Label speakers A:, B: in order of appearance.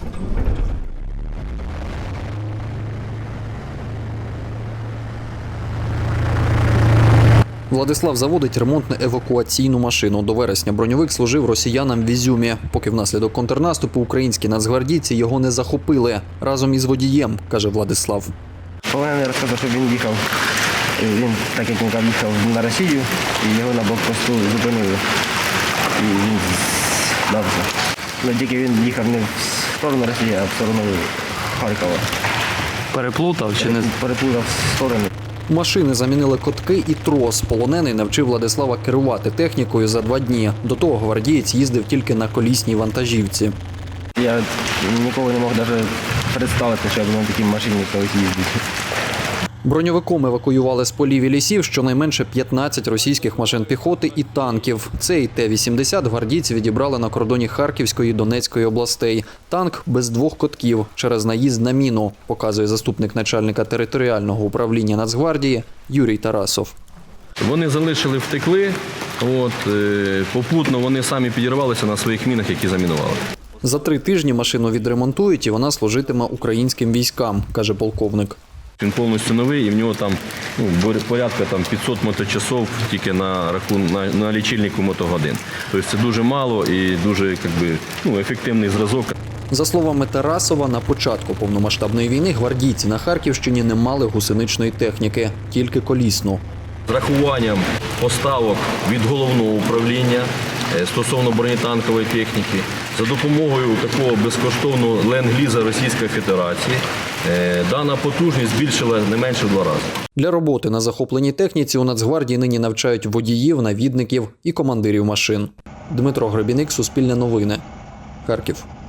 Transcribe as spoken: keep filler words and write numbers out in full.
A: Владислав заводить ремонтно-евакуаційну машину. До вересня броньовик служив росіянам в Ізюмі. Поки внаслідок контрнаступу українські нацгвардійці його не захопили. Разом із водієм, каже Владислав.
B: Полонений розказав, що він їхав, він, так як він там їхав на Росію, і його на блокпосту зупинили. І він здався. Ну, тільки він їхав не в сторону Росії, а в сторону Харкова.
C: Переплутав чи не?
B: Переплутав сторони.
A: Машини замінили котки і трос. Полонений навчив Владислава керувати технікою за два дні. До того гвардієць їздив тільки на колісній вантажівці.
B: Я ніколи не мог навіть представити, що я буду на такій машині колись їздити.
A: Броньовиком евакуювали з полів і лісів щонайменше п'ятнадцять російських машин піхоти і танків. Цей Т вісімдесят гвардійці відібрали на кордоні Харківської і Донецької областей. Танк без двох котків через наїзд на міну, показує заступник начальника територіального управління Нацгвардії Юрій Тарасов.
D: Вони залишили, втекли, от, е, попутно вони самі підірвалися на своїх мінах, які замінували.
A: За три тижні машину відремонтують і вона служитиме українським військам, каже полковник.
D: Він повністю новий і в нього там ну, порядка там, п'ятсот моточасов тільки на, рахун, на, на лічильнику мотогодин. Тобто це дуже мало і дуже як би, ну, ефективний зразок.
A: За словами Тарасова, на початку повномасштабної війни гвардійці на Харківщині не мали гусеничної техніки, тільки колісну.
D: З рахуванням поставок від головного управління стосовно бронетанкової техніки, за допомогою такого безкоштовного ленд-ліза Російської Федерації, дана потужність збільшила не менше в два рази.
A: Для роботи на захопленій техніці у Нацгвардії нині навчають водіїв, навідників і командирів машин. Дмитро Гребіник, Суспільне новини, Харків.